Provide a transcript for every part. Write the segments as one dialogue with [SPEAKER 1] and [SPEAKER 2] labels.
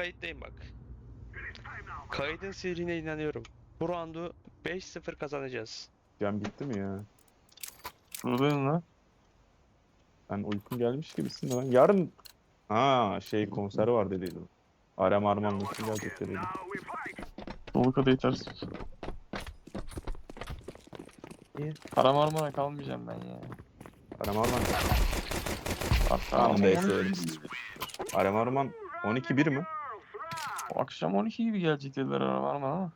[SPEAKER 1] kayıttayım bak. Kaydın sihirine inanıyorum. Bu roundu 5-0 kazanacağız.
[SPEAKER 2] Cam bitti mi ya?
[SPEAKER 3] Buradayım lan.
[SPEAKER 2] Ben uykum gelmiş gibisin de ben. Yarın konser var dediydim. Arem Arman Metin gelecek dediydim.
[SPEAKER 3] Dolu kadar yetersiz.
[SPEAKER 2] İyi.
[SPEAKER 3] Karamarmara kalmayacağım ben ya.
[SPEAKER 2] Arem Arman.
[SPEAKER 3] Hatta
[SPEAKER 2] Tamam,
[SPEAKER 3] ama
[SPEAKER 2] neyse
[SPEAKER 3] 12
[SPEAKER 2] öyle.
[SPEAKER 3] gibi.
[SPEAKER 2] Arem Arman 12-1 mi?
[SPEAKER 3] O akşam 12 gibi gelecek dediler Karamarmara ama.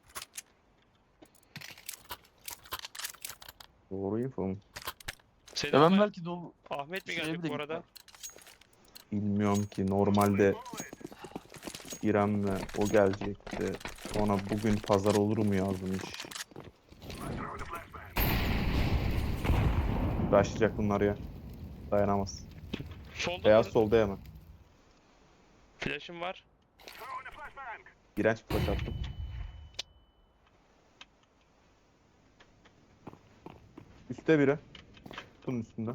[SPEAKER 2] Doğru info mu?
[SPEAKER 1] Senin
[SPEAKER 3] Ya ben
[SPEAKER 1] ama
[SPEAKER 3] belki dolu
[SPEAKER 1] Ahmet mi
[SPEAKER 3] şeye
[SPEAKER 1] gelecek
[SPEAKER 3] bile
[SPEAKER 1] bu arada?
[SPEAKER 2] Bilmiyorum ki, normalde İrem'le o gelecekti. Sonra bugün pazar olur mu yazmış. Başlayacak bunlar ya. Dayanamaz.
[SPEAKER 1] Solda
[SPEAKER 2] Beyaz
[SPEAKER 1] dur.
[SPEAKER 2] solda hemen.
[SPEAKER 1] Flash'ım var.
[SPEAKER 2] İğrenç bir flash attım. Üste biri. Kutunun üstünde.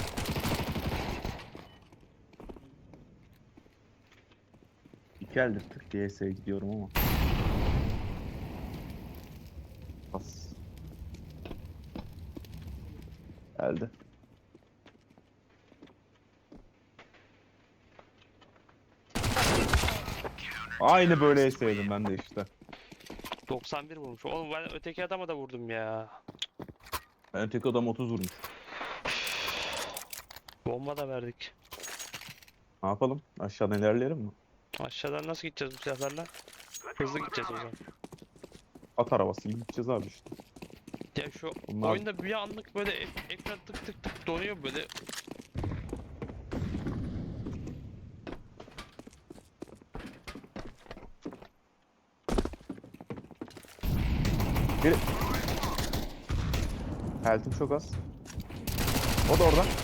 [SPEAKER 2] İki eldir tık diye S'ye gidiyorum ama. Pas. Geldi. Aynı böyle S'ydim ben de işte.
[SPEAKER 1] 91 vurmuş. Oğlum ben öteki adama da vurdum ya.
[SPEAKER 2] Ben tek adam 30 vurmuş.
[SPEAKER 1] Bomba da verdik.
[SPEAKER 2] Ne yapalım? Aşağıdan ilerleyelim mi?
[SPEAKER 1] Aşağıdan nasıl gideceğiz bu silahlarla? Hızlı gideceğiz o zaman.
[SPEAKER 2] At arabası gibi gideceğiz abi işte.
[SPEAKER 1] Ya şu
[SPEAKER 2] Bunlar-
[SPEAKER 1] oyunda bir anlık böyle ekran tık tık tık donuyor böyle.
[SPEAKER 2] Biri... Health'im çok az. O da orada.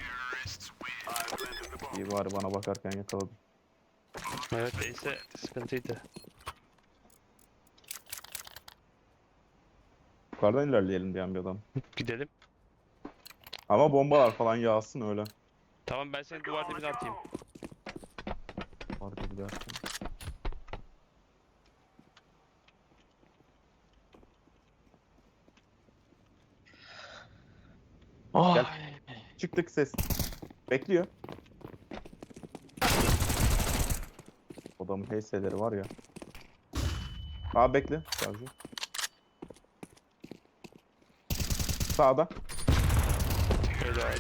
[SPEAKER 2] İyi bari bana bakarken yakaladım.
[SPEAKER 1] Evet neyse sıkıntıydı.
[SPEAKER 2] Yukarıdan ilerleyelim diyen bir adam.
[SPEAKER 1] Gidelim.
[SPEAKER 2] Ama bombalar falan yağsın öyle.
[SPEAKER 1] Tamam ben seni duvar dibine atayım.
[SPEAKER 2] Harika bir derken.
[SPEAKER 3] Ay.
[SPEAKER 2] Çıktık ses. Bekliyor. Adamın HS'leri var ya. Abi bekle. Sadece. Sağda.
[SPEAKER 1] Helal.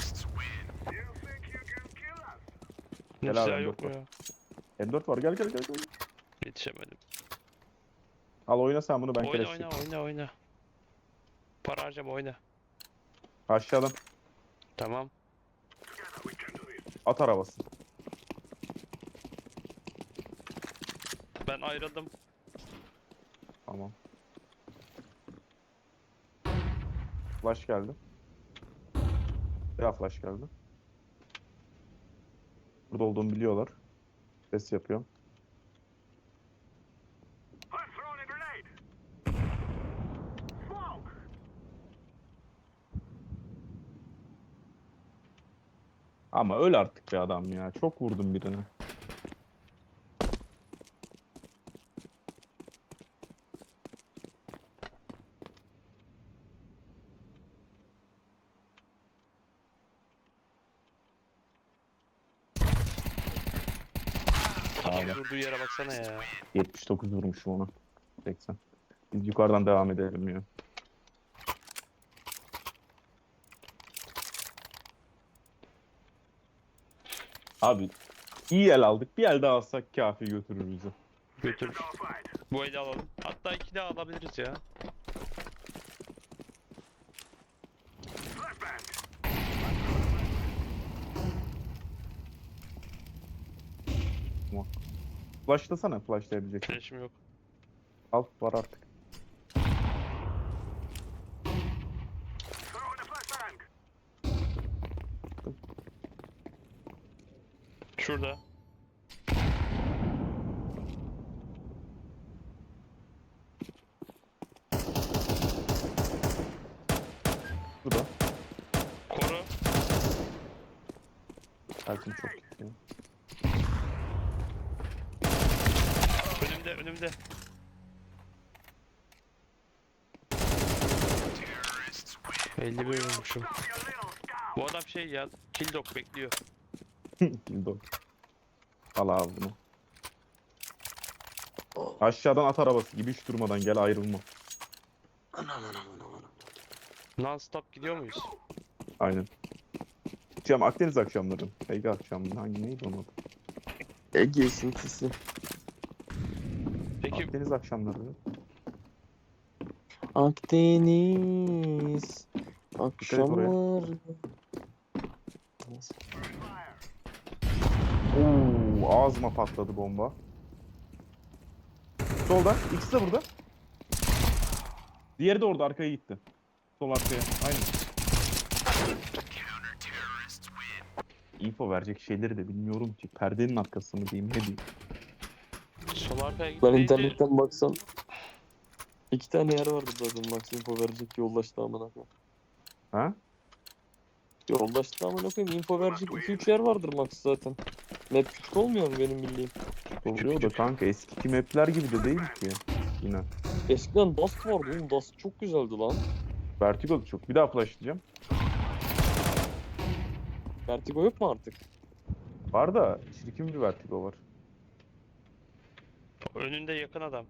[SPEAKER 1] Ne
[SPEAKER 2] Helal
[SPEAKER 1] silah
[SPEAKER 2] lan,
[SPEAKER 1] yok mu
[SPEAKER 2] dört
[SPEAKER 1] ya?
[SPEAKER 2] M4 var. Gel gel gel gel.
[SPEAKER 1] Yetişemedim.
[SPEAKER 2] Al oyna sen bunu, ben
[SPEAKER 1] Oyna
[SPEAKER 2] keleş
[SPEAKER 1] oyna
[SPEAKER 2] çekeyim.
[SPEAKER 1] oyna. Para harcama oyna.
[SPEAKER 2] Aşağıdan.
[SPEAKER 1] Tamam.
[SPEAKER 2] At arabası.
[SPEAKER 1] Ben ayrıldım.
[SPEAKER 2] Tamam. Flash geldi. Ya flash geldi. Burada olduğumu biliyorlar. Ses yapıyorum. Ama öl artık be adam ya. Çok vurdum birini.
[SPEAKER 1] Adam
[SPEAKER 2] Aynen.
[SPEAKER 1] durduğu yere baksana ya.
[SPEAKER 2] 79 vurmuşum ona. 80. Biz yukarıdan devam edelim ya. Abi iyi el aldık. Bir el daha alsak kafi götürür bizi.
[SPEAKER 1] Götür. Bu eli alalım. Hatta iki daha alabiliriz ya.
[SPEAKER 2] Flashlasana, flashlayabilecek.
[SPEAKER 1] Flash'im yok.
[SPEAKER 2] Al, var artık.
[SPEAKER 1] Şurada.
[SPEAKER 2] Burada.
[SPEAKER 1] Koru.
[SPEAKER 2] Belki çok iyi.
[SPEAKER 1] önümde. Belli bir vurmuşum. Bu adam şey ya, kill dog bekliyor.
[SPEAKER 2] Bildo. Al abi bunu. Aşağıdan at arabası gibi hiç durmadan gel ayrılma.
[SPEAKER 1] Non stop gidiyor muyuz?
[SPEAKER 2] Aynen. Akşam Akdeniz akşamları. Ege akşamları. Hangi neydi onun adı?
[SPEAKER 3] Ege esintisi.
[SPEAKER 1] Peki
[SPEAKER 2] Akdeniz akşamları.
[SPEAKER 3] Akdeniz
[SPEAKER 2] oraya.
[SPEAKER 3] akşamlar.
[SPEAKER 2] Oo, ağzıma patladı bomba. Solda. İkisi de burada. Diğeri de orada arkaya gitti. Sol arkaya. Aynen. info verecek şeyleri de bilmiyorum ki. Perdenin arkası mı diyeyim ne diyeyim.
[SPEAKER 1] sol arkaya
[SPEAKER 3] Ben
[SPEAKER 1] gitmeyince
[SPEAKER 3] internetten baksam 2 tane yer vardı zaten Max info verecek yoldaştı amına koyayım.
[SPEAKER 2] Ha?
[SPEAKER 3] Yoldaştı amına koyayım info verecek 2-3 yer vardır Max zaten. Map küçük olmuyor mu benim bildiğim?
[SPEAKER 2] Oluyor da kanka eski map'ler gibi de değil ki. Yine.
[SPEAKER 3] Eskiden Dust vardı oğlum Dust çok güzeldi lan.
[SPEAKER 2] Vertigo da çok. Bir daha flashlayacağım.
[SPEAKER 3] Vertigo yok mu artık?
[SPEAKER 2] Var da çirkin bir Vertigo var.
[SPEAKER 1] önünde yakın adam.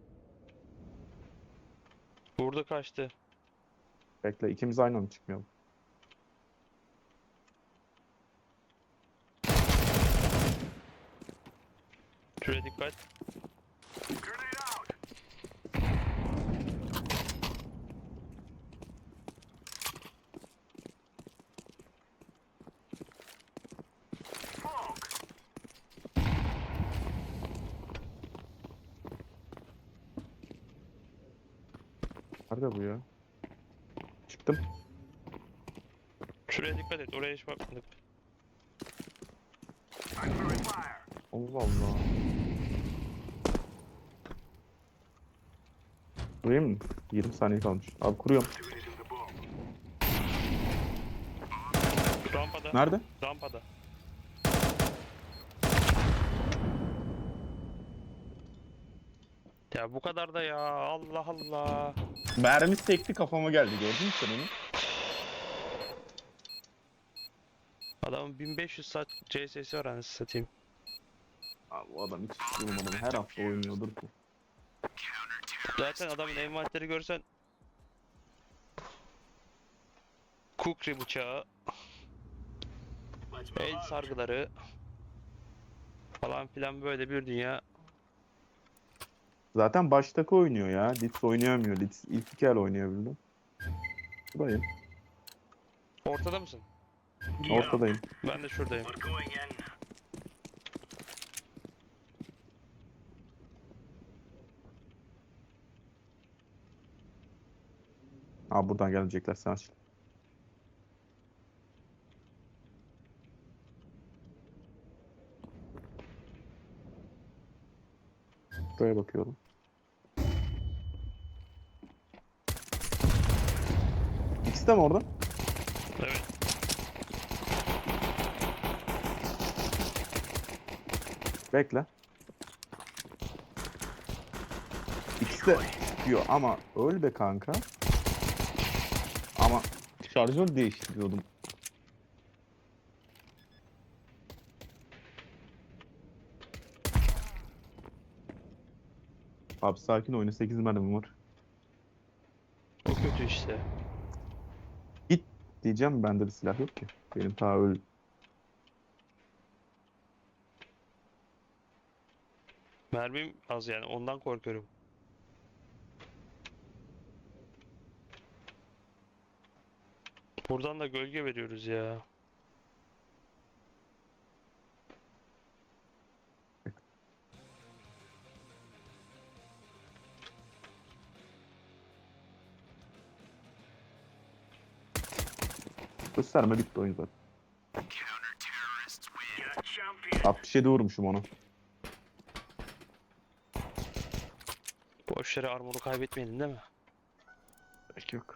[SPEAKER 1] Vurdu kaçtı.
[SPEAKER 2] Bekle ikimiz aynı anda çıkmayalım.
[SPEAKER 1] Şuraya dikkat.
[SPEAKER 2] Nerede bu ya? Çıktım.
[SPEAKER 1] Şuraya dikkat et. Oraya hiç bakmadık.
[SPEAKER 2] Allah Allah. Kurayım mı? 20 saniye kalmış. Abi kuruyorum.
[SPEAKER 1] Rampada.
[SPEAKER 2] Nerede?
[SPEAKER 1] Rampada. Ya bu kadar da ya. Allah Allah.
[SPEAKER 2] Mermi sekti kafama geldi gördün mü sen onu?
[SPEAKER 1] Adamın 1500 saat CS'si var anasını satayım.
[SPEAKER 2] Abi o adam hiç durmadan her hafta oynuyordur ki.
[SPEAKER 1] Zaten adamın envanteri görsen Kukri bıçağı, el sargıları falan filan böyle bir dünya.
[SPEAKER 2] Zaten baştaki oynuyor ya. Litz oynayamıyor. Litz ilk iki el oynayabildi. Buradayım.
[SPEAKER 1] Ortada mısın?
[SPEAKER 2] Ortadayım.
[SPEAKER 1] Ben de şuradayım.
[SPEAKER 2] Abi buradan gelecekler sen aç. Buraya bakıyorum. İkisi de mi orada?
[SPEAKER 1] Evet.
[SPEAKER 2] Bekle. İkisi de çıkıyor ama öl be kanka. Ama şarjör değiştiriyordum. Abi sakin oyna 8 mermim var.
[SPEAKER 1] O kötü işte.
[SPEAKER 2] Git diyeceğim bende de silah yok ki. Benim ta öl.
[SPEAKER 1] Mermim az yani ondan korkuyorum. Buradan da gölge veriyoruz ya.
[SPEAKER 2] Gösterme bitti oyun zaten. 67 vurmuşum onu.
[SPEAKER 1] Boş yere armoru kaybetmeyelim değil mi?
[SPEAKER 2] Belki yok.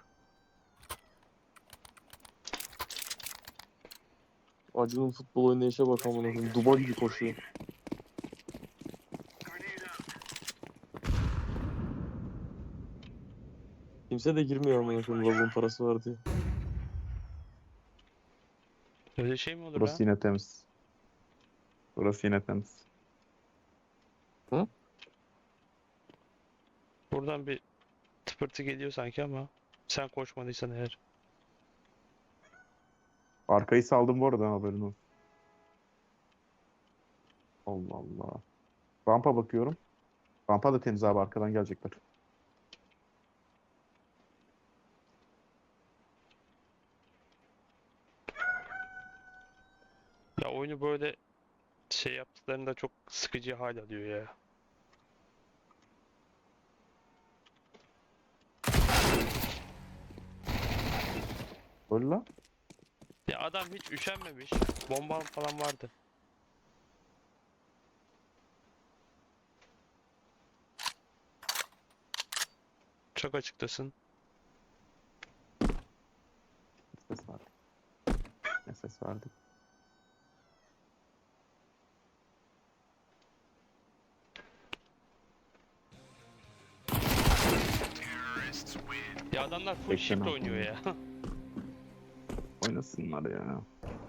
[SPEAKER 3] Acun'un futbol oynayışa bak amına koyayım. Duba gibi koşuyor. Kimse de girmiyor amına koyayım lavuğun parası var diye.
[SPEAKER 1] Öyle şey mi olur
[SPEAKER 2] Burası
[SPEAKER 1] ya?
[SPEAKER 2] yine temiz. Burası yine temiz.
[SPEAKER 3] Hı?
[SPEAKER 1] Buradan bir tıpırtı geliyor sanki ama sen koşmadıysan eğer.
[SPEAKER 2] Arkayı saldım bu arada, haberin olsun. Allah Allah. Rampa bakıyorum. Rampa da temiz abi, arkadan gelecekler.
[SPEAKER 1] Ya oyunu böyle şey yaptıklarında çok sıkıcı hal alıyor ya.
[SPEAKER 2] Öyle lan.
[SPEAKER 1] Ya adam hiç üşenmemiş. Bomba falan vardı. Çok açıktasın.
[SPEAKER 2] Ses verdik. Ne ses verdik?
[SPEAKER 1] Ya adamlar full
[SPEAKER 2] Bekle,
[SPEAKER 1] shift
[SPEAKER 2] ne
[SPEAKER 1] oynuyor ya.
[SPEAKER 2] Oynasınlar ya.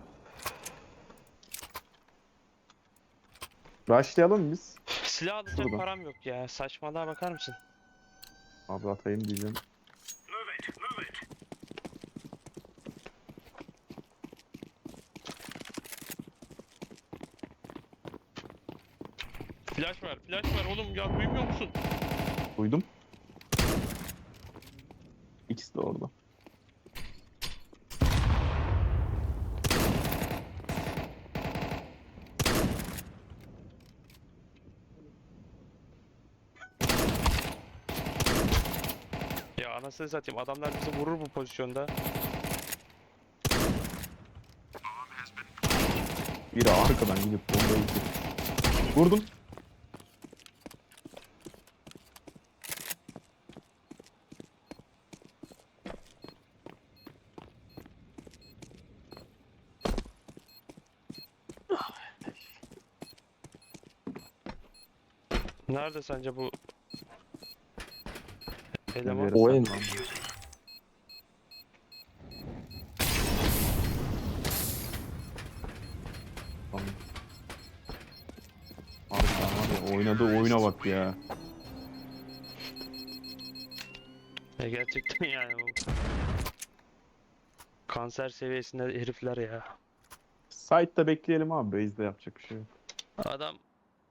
[SPEAKER 2] Rushlayalım biz.
[SPEAKER 1] Silah alacak
[SPEAKER 2] Şurada.
[SPEAKER 1] param yok ya. Saçmalığa bakar mısın?
[SPEAKER 2] Abi atayım diyeceğim.
[SPEAKER 1] Flash var, flash var oğlum ya duymuyor musun?
[SPEAKER 2] Duydum. İkisi de orada.
[SPEAKER 1] Ya anasını satayım adamlar bizi vurur bu pozisyonda.
[SPEAKER 2] Biri arkadan gidip bombayı yiyecek. Vurdum.
[SPEAKER 1] Nerede sence bu
[SPEAKER 2] Bir
[SPEAKER 1] eleman?
[SPEAKER 2] yere
[SPEAKER 3] O en-
[SPEAKER 2] saklandı. Tamam. Harbiden var ya, oynadığı oyuna bak ya.
[SPEAKER 1] Gerçekten yani bu kanser seviyesinde herifler ya.
[SPEAKER 2] Site'da bekleyelim abi. Base'de yapacak bir şey yok.
[SPEAKER 1] Adam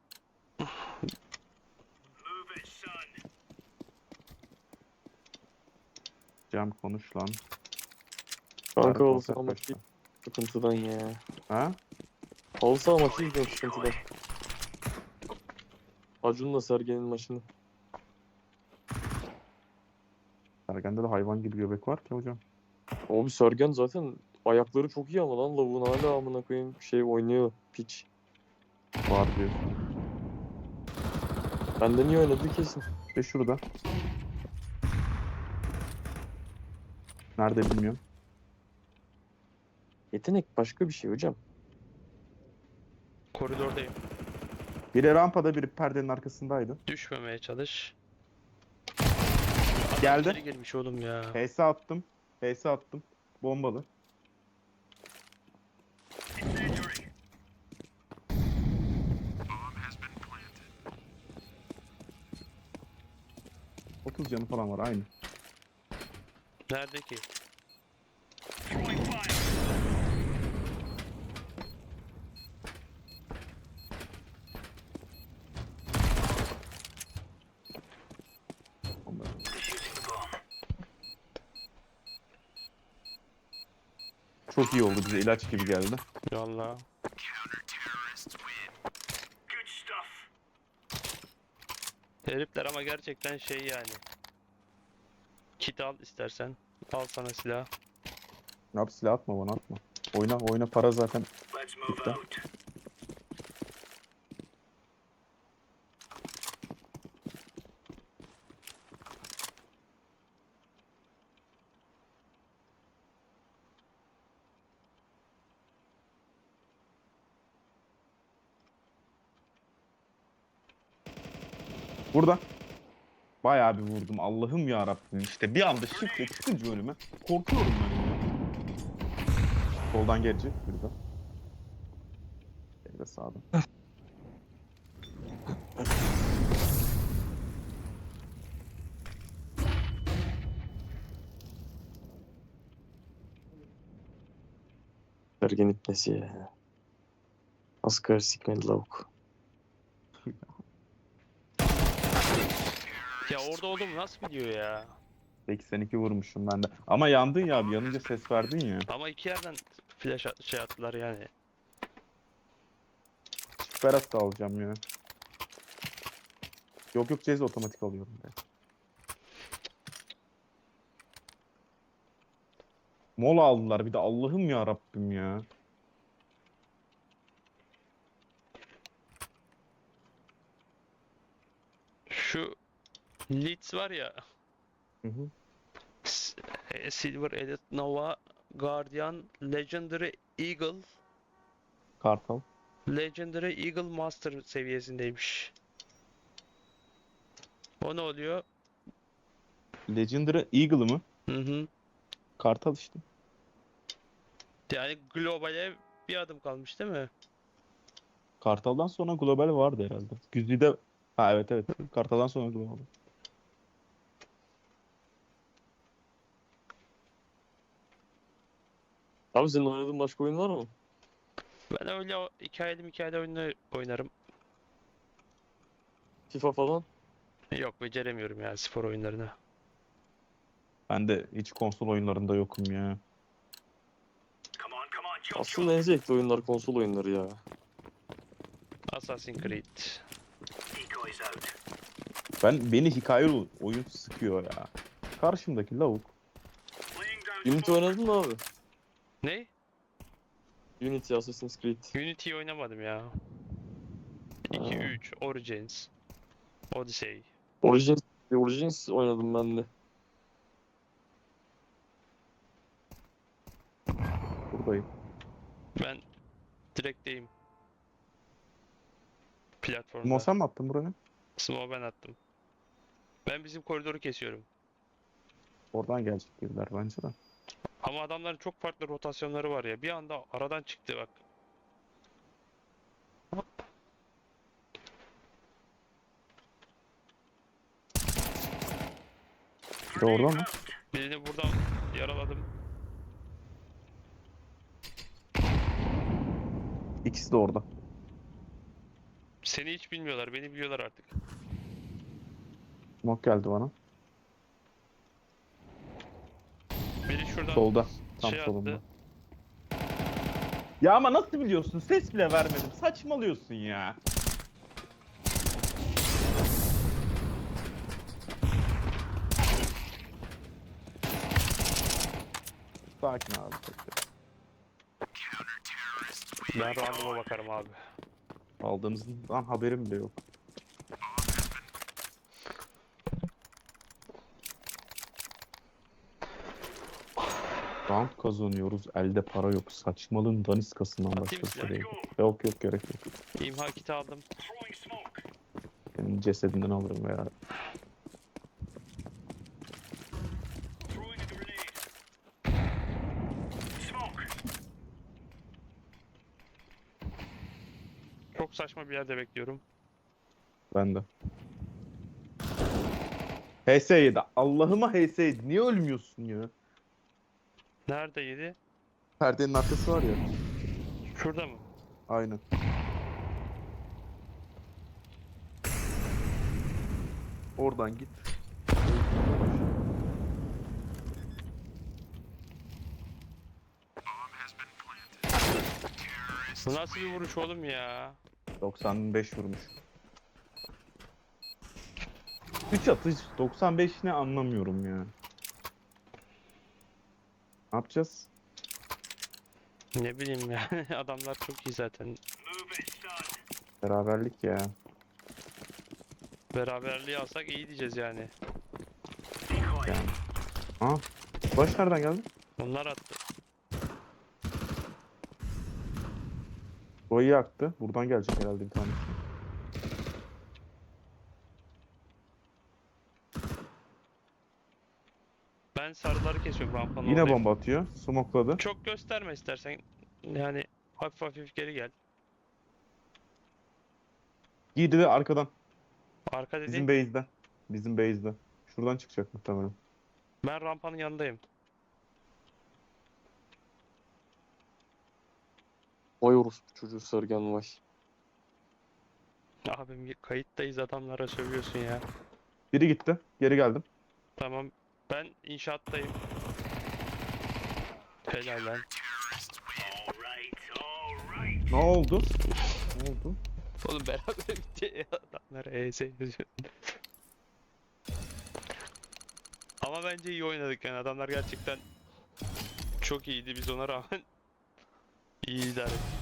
[SPEAKER 2] Cem konuş lan.
[SPEAKER 3] Kanka
[SPEAKER 2] Harbi
[SPEAKER 3] halı
[SPEAKER 2] konser
[SPEAKER 3] saha maçı
[SPEAKER 2] kaçtı.
[SPEAKER 3] sıkıntıdan ya.
[SPEAKER 2] Ha?
[SPEAKER 3] Halı saha maçı izliyorum sıkıntıdan. Acun'la Sergen'in maçını.
[SPEAKER 2] Sergen'de de hayvan gibi göbek var ki hocam.
[SPEAKER 3] Abi Sergen zaten ayakları çok iyi ama lan lavuğun hala amına koyayım şey oynuyor piç.
[SPEAKER 2] Var diyor.
[SPEAKER 3] Bende niye oynadı kesin.
[SPEAKER 2] Ve şurada. Nerede bilmiyorum.
[SPEAKER 3] Yetenek başka bir şey hocam.
[SPEAKER 1] koridordayım.
[SPEAKER 2] Biri rampada, biri perdenin arkasındaydı.
[SPEAKER 1] Düşmemeye çalış. Adam
[SPEAKER 2] Geldi.
[SPEAKER 1] içeri girmiş oğlum ya.
[SPEAKER 2] PS attım. PS attım. Bombalı. ...30 canı falan var aynı.
[SPEAKER 1] Nerede ki?
[SPEAKER 2] Bomba. Çok iyi oldu, bize ilaç gibi geldi.
[SPEAKER 1] Valla. Herifler ama gerçekten şey yani. Kit al istersen. Al sana silah.
[SPEAKER 2] Ne yap, silah atma bana, atma. Oyna oyna, para zaten bitti. Burada. Bayağı bir vurdum. Allah'ım ya Rabbim. İşte bir anda şifre çıkınca önüme korkuyorum ben ya. Soldan gelecek biri de. Biri de sağdan.
[SPEAKER 3] Ergen ipnesi ya. Asgari sikmedi lavuk.
[SPEAKER 1] Ya orada olduğumu nasıl biliyor ya?
[SPEAKER 2] 82 vurmuşum ben de. Ama yandın ya abi. Yanınca ses verdin ya.
[SPEAKER 1] Ama iki yerden şey attılar yani.
[SPEAKER 2] Berat da alacağım ya. Yok yok Cez otomatik alıyorum. Ben. Mola aldılar bir de. Allah'ım ya Rabbim ya.
[SPEAKER 1] Şu Leeds var ya.
[SPEAKER 2] Hı hı.
[SPEAKER 1] Silver Edit Nova Guardian Legendary Eagle
[SPEAKER 2] Kartal.
[SPEAKER 1] Legendary Eagle Master seviyesindeymiş. O ne oluyor?
[SPEAKER 2] Legendary Eagle mı?
[SPEAKER 1] Hı hı.
[SPEAKER 2] Kartal işte.
[SPEAKER 1] Yani globale bir adım kalmış değil mi?
[SPEAKER 2] Kartal'dan sonra global vardı herhalde. Güzide... Ha evet evet. Kartal'dan sonra global.
[SPEAKER 3] Abi senin oynadığın başka oyun var mı?
[SPEAKER 1] Ben öyle hikayeli oyunları oynarım.
[SPEAKER 3] FIFA falan.
[SPEAKER 1] Yok beceremiyorum ya spor oyunlarını.
[SPEAKER 2] Ben de hiç konsol oyunlarında yokum ya.
[SPEAKER 3] Aslında en zevkli oyunlar konsol oyunları ya.
[SPEAKER 1] Assassin's Creed.
[SPEAKER 2] Beni hikayeli oyun sıkıyor ya. Karşımdaki lavuk.
[SPEAKER 3] Unity oynadın mı abi?
[SPEAKER 1] Ne?
[SPEAKER 3] Unity, Assassin's Creed.
[SPEAKER 1] Unity'yi oynamadım ya. 2,
[SPEAKER 3] Ha.
[SPEAKER 1] 3, Origins, Odyssey.
[SPEAKER 3] Origins oynadım ben de.
[SPEAKER 2] Buradayım.
[SPEAKER 1] Ben direkteyim
[SPEAKER 2] Mo
[SPEAKER 1] platformda.
[SPEAKER 2] sen mi attın buraya?
[SPEAKER 1] Smoke ben attım. Ben bizim koridoru kesiyorum.
[SPEAKER 2] Oradan gelecek biriler bence de.
[SPEAKER 1] Ama adamların çok farklı rotasyonları var ya. Bir anda aradan çıktı bak.
[SPEAKER 2] Bir de orada mı?
[SPEAKER 1] Birini buradan yaraladım.
[SPEAKER 2] İkisi de orada.
[SPEAKER 1] Seni hiç bilmiyorlar, beni biliyorlar artık.
[SPEAKER 2] Smoke geldi bana.
[SPEAKER 1] Biri şuradan
[SPEAKER 2] Solda. Tam
[SPEAKER 1] şey
[SPEAKER 2] solunda.
[SPEAKER 1] attı.
[SPEAKER 2] Ya ama nasıl biliyorsun? Ses bile vermedim. Saçmalıyorsun ya. Sakin abi. Sakin.
[SPEAKER 1] Ben rounduma bakarım abi.
[SPEAKER 2] Aldığımızdan haberim bile yok. Round kazanıyoruz. Elde para yok. Saçmalığın daniskasından
[SPEAKER 1] Atayım
[SPEAKER 2] başka bir şey
[SPEAKER 1] size.
[SPEAKER 2] değil. Yok yok gerek yok.
[SPEAKER 1] İmha kiti aldım.
[SPEAKER 2] Senin cesedinden alırım veya.
[SPEAKER 1] Çok saçma bir yerde bekliyorum.
[SPEAKER 2] Ben de. HS7. Allah'ıma HS7. Niye ölmüyorsun ya?
[SPEAKER 1] Nerede yedi?
[SPEAKER 2] Perdenin arkası var ya.
[SPEAKER 1] Şurada mı?
[SPEAKER 2] Aynen. Oradan git.
[SPEAKER 1] Bu nasıl bir vuruş oğlum ya?
[SPEAKER 2] 95 vurmuş. 3 atış 95 ne anlamıyorum ya. Ne yapacağız?
[SPEAKER 1] Ne bileyim ya. Adamlar çok iyi zaten.
[SPEAKER 2] Beraberlik ya.
[SPEAKER 1] Beraberliği alsak iyi diyeceğiz yani.
[SPEAKER 2] Yani. Aa, baş nereden geldi?
[SPEAKER 1] Onlar attı.
[SPEAKER 2] Roy'u yaktı. Buradan gelecek herhalde bir tanesi.
[SPEAKER 1] Ben sarıları kesiyorum rampanın
[SPEAKER 2] Yine
[SPEAKER 1] oradayım.
[SPEAKER 2] bomba atıyor. Smokladı.
[SPEAKER 1] Çok gösterme istersen. Yani hafif hafif geri gel.
[SPEAKER 2] Giydi ve arkadan.
[SPEAKER 1] Arka
[SPEAKER 2] Bizim
[SPEAKER 1] dediğin
[SPEAKER 2] base'den. Bizim base'den. Şuradan çıkacak muhtemelen.
[SPEAKER 1] ben rampanın yanındayım.
[SPEAKER 3] Vay orospu çocuğu Sergen vay.
[SPEAKER 1] Abim kayıttayız adamlara sövüyorsun ya.
[SPEAKER 2] Biri gitti. Geri geldim.
[SPEAKER 1] Tamam. Ben inşaattayım. Helal lan.
[SPEAKER 2] Ne oldu? Ne oldu?
[SPEAKER 1] Oğlum beraber bitti ya adamlara ES yazıyor. Ama bence iyi oynadık yani adamlar gerçekten çok iyiydi biz ona rağmen iyi idare ettik.